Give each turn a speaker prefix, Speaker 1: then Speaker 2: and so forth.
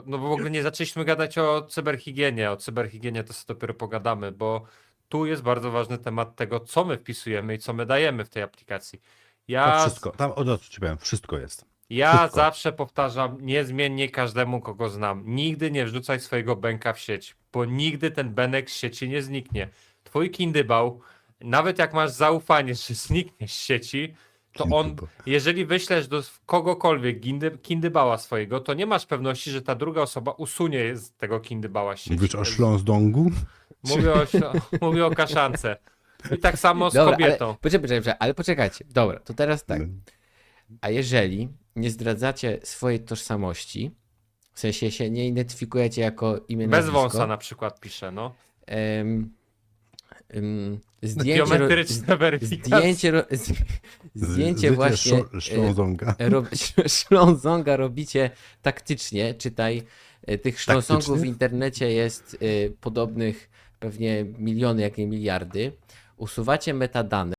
Speaker 1: No bo w ogóle nie zaczęliśmy gadać o cyberhigienie. O cyberhigienie to sobie dopiero pogadamy, bo tu jest bardzo ważny temat tego, co my wpisujemy i co my dajemy w tej aplikacji.
Speaker 2: To
Speaker 1: Ja,
Speaker 2: wszystko. Tam od razu ci powiem, wszystko jest.
Speaker 1: ja
Speaker 2: Wszystko.
Speaker 1: zawsze powtarzam niezmiennie każdemu, kogo znam. Nigdy nie wrzucaj swojego bęka w sieć, bo nigdy ten benek z sieci nie zniknie. Twój kindybał, nawet jak masz zaufanie, że zniknie z sieci, to on,
Speaker 2: Kindybał.
Speaker 1: jeżeli wyślesz do kogokolwiek kindybała swojego, to nie masz pewności, że ta druga osoba usunie z tego kindybała z sieci.
Speaker 2: Mówisz o Śląsdongu?
Speaker 1: Mówię o kaszance. I tak samo z
Speaker 3: Dobra,
Speaker 1: kobietą.
Speaker 3: ale poczekajcie. Dobra, to teraz tak.
Speaker 2: No.
Speaker 3: A jeżeli nie zdradzacie swojej tożsamości, w sensie się nie identyfikujecie jako imię,
Speaker 1: Bez
Speaker 3: nazwisko,
Speaker 1: wąsa na przykład pisze, no.
Speaker 3: Zdjęcie,
Speaker 1: Biometryczne weryfikacje.
Speaker 3: zdjęcie właśnie
Speaker 2: Śląsdonga.
Speaker 3: Ślązonga robicie taktycznie, czytaj, tych ślązongów w
Speaker 2: Taktycznie?
Speaker 3: internecie jest podobnych pewnie miliony, jak nie miliardy. Usuwacie metadane.